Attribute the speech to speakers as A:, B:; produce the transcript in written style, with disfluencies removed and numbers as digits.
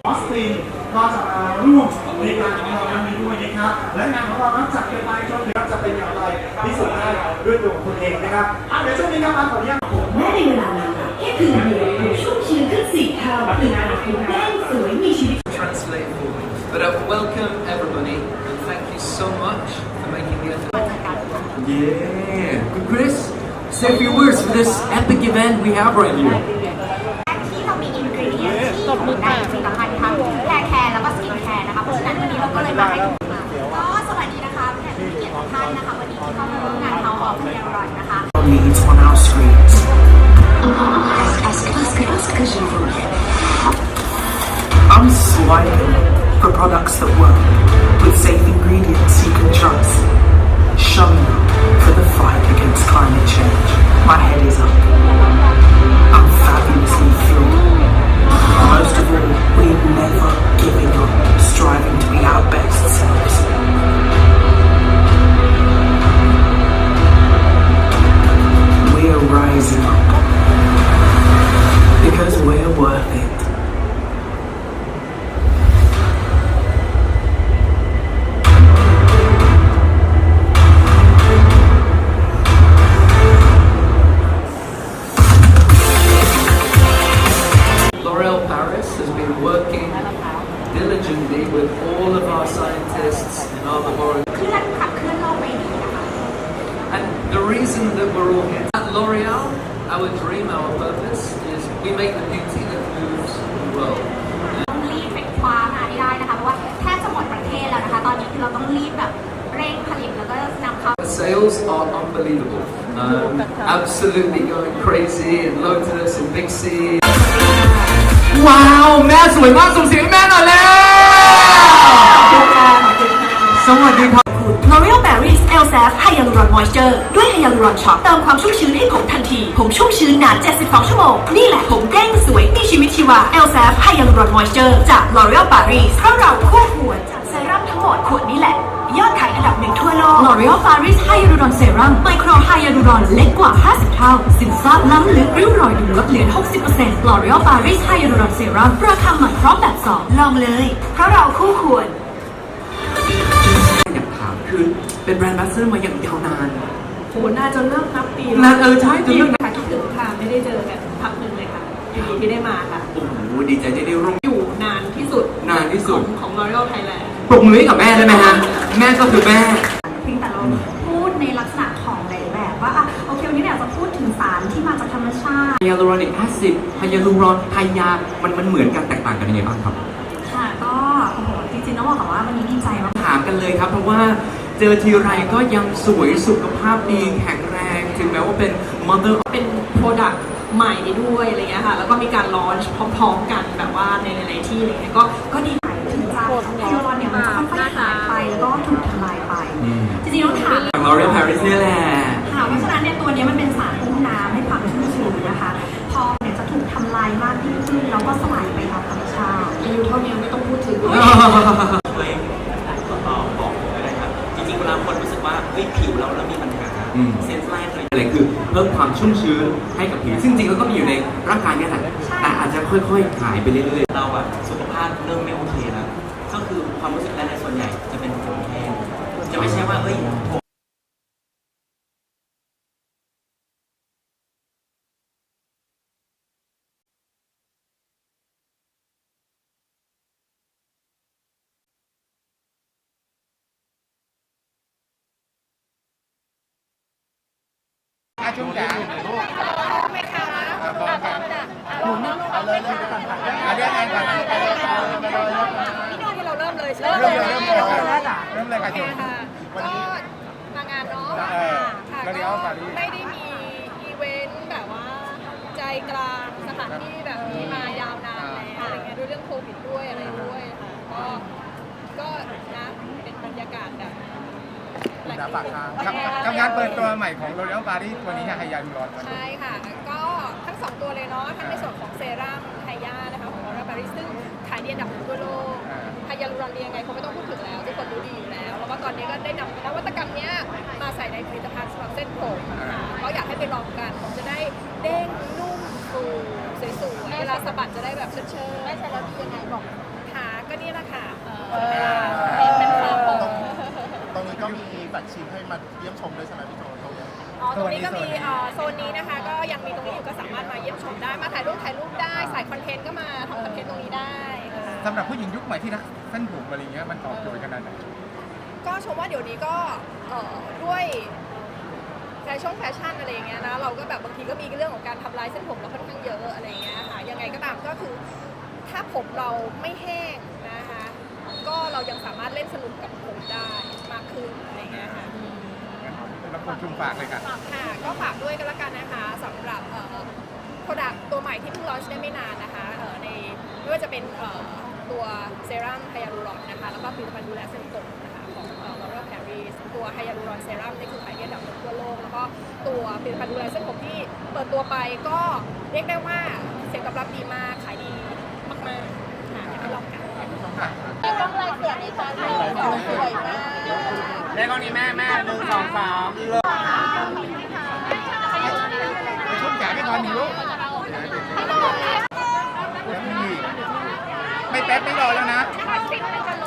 A: ออสตินก็จะมาร่วมในงานของเราในนี้ด้วยนะครับและงานของเรานั้นจัดกันไปจนถึงจะเป็นอย่างไรพิสูจน์ได้ด้วยตัวของตนเองนะครับเดี๋ยวช่วงนี้ครับขออนุญาต
B: แม้ในเวลานั้นแค่คืนเดียวผมชุ่มชื้นขึ้น4 เท่าคือการผมแดงสวยมีชีวิต
C: Translate for me, but welcome everybody and thank you so much for making the effort. Yeah, good Chris. Say a few words for this epic event we have right here.
D: ที่เรามีอินกรีเดียนที่อยู่ในผลิตภัณฑ์ทั้งแฮร์แคร์แล้วก็สกินแคร์นะคะเพราะฉะนั้นวันนี้เราก็เลยมาให้ทุกคนก็สวัสดีนะคะแขกผู้เกียรติทุกท่านนะคะวันนี้ที่เข้ามาร่วมงานเฮาส์ออฟเรียนรันนะคะ
E: Leads on our screens. I'm swiping for products that work with safe ingredients you can trust. Showing up for the fight against climate change. My head is up. I'm fabulously thrilled. Most of all, we're never giving up, striving to be our best selves. We're rising up because we're worth it.
C: L'Oréal Paris has been working diligently with all of our scientists in our laboratory.
D: เคลื่อนขับเคลื่อนโลกใบนี้นะคะ
C: And the reason that we're all here at L'Oréal, our dream, our purpose is we make the beauty that moves the world.
D: ต้องรีบไปคว้ามาให้ได้นะคะเพราะว่าแทบจะหมดประเทศแล้วนะคะตอนนี้คือเราต้องรีบแบบเร่งผลิตแล้วก็นำเข้า
C: The sales are unbelievable. Absolutely going crazy in Lotus and Big C. ว้าวแม่สวยมากส่งเสียงให้แม่หน่อยแล้วสวัสดีครับ
B: L'Oréal Paris Elsav Hyaluron Moisture ด้วย Hyaluron Shot เติมความชุ่มชื้นให้ผมทันทีผมชุ่มชื้นนาน72 ชั่วโมงนี่แหละผมเด้งสวยมีชีวิตชีวา Elsav Hyaluron Moisture จาก L'Oréal Paris เพราะเราคู่ควรจากเซรั่มทั้งหมดขวดนี้แหละยอดขายอันดับ1ทั่วโลก L'Oréal Paris Hyaluron Serum Micro Hyaluron เล็กกว่า50 เท่าซึมซาบล้ำลึกริ้วรอยดูลดเหลือ 60% L'Oréal Paris Hyaluron Serum ราคาใหม่พร้อมแบบ2ลองเลยเพราะเราคู่ควร
F: อยากถามคือเป็นแบรนด์แบสเซอร์มาอย่างยาวนาน
G: โหน่าจะเริ่มนับปี
F: นานใช่จะเริ่ม
G: ค่ะคิดถึงค่ะไม่ได้เจอกันพักหนึ่งเลยค่ะยินดีที่ได้มาค่ะ
F: โอ้โหดีใจที่ได้ร่วม
G: อยู่นานที่สุด
F: นานที่สุด
G: ของ L'Oréal Thailand
F: ปรบมือให้กับแม่ได้ไหมฮะแม่ก็คือแม่
D: เพียงแต่เราพูดในลักษณะของหลายแบบว่าโอเควันนี้เนี่ยจะพูดถึงสารที่มาจากธรรมชาติ
F: ไฮยาลูรอนิกแอซิดไฮยาลูรอนไฮยามันเหมือนกันแตกต่างกันยังไงบ้างครับ
D: ค่ะก็โอ้โหจริงๆต้องบอกก่อนว่าวันนี้ดีใจมาก
F: ถามกันเลยครับเพราะว่าเจอทีไรก็ยังสวยสุขภาพดีแข็งแรงถึงแม้ว่าเป็น mother
G: เป็น Product ใหม่ด้วยอะไรเงี้ยค่ะแล้วก็มีการลอนช์พร้อมๆกันแบบว่าในหลายๆที่อะไรเงี้ยก็ดี
D: ถึงจะไฮโดรลอนเนี่ยมันจะค่อยๆหายไปแล้วก็ถูกทำลายไปจริงๆต้องถาม
F: L'Oréal Paris นี่แหละ
D: ค่ะเพราะฉะนั้นเนี่ยตัวนี้มันเป็นสารอุ้มน้ำให้ความชุ่มชื้นนะคะพอเนี่ยจะถูกทำลายมากยิ่งขึ้นแล้วก็สลายไปตามธรรมชาติอายุเท่านี้ไม่ต้องพูดถึง
H: ช่วยบอกก็ได้ครับจริงๆเวลาคนรู้สึกว่าผิวเรามีปัญหาเซนส์แรกเลย
F: อะไรคือเพิ่มความชุ่มชื้นให้กับผิวซึ่งจริงๆแล้วก็มีอยู่ในร่างกายนี่แหละแต่อาจจะค่อยๆหายไปเรื่อยๆ
H: เราอะสุขภาพเริ่มไม่โอเคแล้วก็คือความรู้สึกแรกในส่วนใหญ่จะเป็นผมแห้งจะไม่ใช่ว่าผม
A: ช่วงจ๋าไม่ค่ะหมุนเอาเลยเลยก่อนเอาเรื่องงานก่อน
I: พี่โน้ตที่เราเริ่มเลยใช่ไหม
A: เริ่มเลยค่ะช่วง
I: วันนี้มางานเนาะค่ะก็ไม่ได้มีอีเวนต์แบบว่าใจกลางสถานที่แบบนี้มายาวนานแล้วอะไรเงี้ยด้วยเรื่องโควิดด้วยอะไรด้วยค่ะก็นะเป็นบรรยากาศแบบ
A: ฝากกับงานเปิดตัวใหม่ของ L'Oréal Paris ตัวนี้ไฮยาลูรอน
I: ใช่ค่ะก็ทั้ง2ตัวเลยเนาะทั้งในส่วนของเซรั่มไฮยานะคะของ L'Oréal Paris ซึ่งขายดีอันดับทั่วโลกไฮยาลูรอนเรียงไงเขาไม่ต้องพูดถึงแล้วทุกคนรู้ดีอยู่แล้วแล้วว่าตอนนี้ก็ได้นำนวัตกรรมนี้มาใส่ในผลิตภัณฑ์สำหรับเส้นผมก็อยากให้ไปลองกันผมจะได้เด้งนุ่มฟูสวยๆเวลาสะบัดจะได้แบบเชิดๆไม่ใช่แล้วดียังไงบอกตรงนี้ก็มีโซนนี้นะคะ ก็ยังมีตรงนี้อยู่ก็สามารถมาเยี่ยมชมได้ มาถ่ายรูปได้สายคอนเทนต์ก็มาทำคอนเทนต์ตรงนี้ได้ค่ะ
J: สำหรับผู้หญิงยุคใหม่ที่รักเส้นผมอะไรเงี้ยมันตอบโจทย์ขนาดไหน
I: ก็ชมว่าเดี๋ยวนี้ก็ด้วยแฟชั่นอะไรอย่างเงี้ยนะเราก็แบบบางทีก็มีเรื่องของการทำลายเส้นผมเราค่อนข้างเยอะอะไรอย่างเงี้ยค่ะยังไงก็ตามก็คือถ้าผมเราไม่แห้งนะคะก็เรายังสามารถเล่นสนุกกับผมได้มากขึ้นอะไรอย่างเงี้ยค่ะ
J: แล้วคนชุมฝากเลยค่ะ
I: ค่ะก็ฝากด้วยกันละกันนะคะสำหรับโปรดักต์ตัวใหม่ที่เพิ่งลอนช์ได้ไม่นานนะคะในไม่ว่าจะเป็นตัวเซรั่มไฮยาลูรอนนะคะแล้วก็ผลิตภัณฑ์ดูแลเส้นผมนะคะของL'Oréal Paris ตัวไฮยาลูรอนเซรั่มนี่คือขายดีอันดับหนึ่งทั่วโลกแล้วก็ตัวผลิตภัณฑ์ดูแลเส้นผมที่เปิดตัวไปก็เรียกได้ว่าเสียงตอบรับดีมากขายดีมากๆค่ะอยากให้ลองกันต้องลายเสือในจานสวยมาก
J: ได้กล้องนี้แม่1 2 3ไปชุ่มแขนไปก่อนหนึ่งลูกไม่แป๊บไม่รอแล้วนะ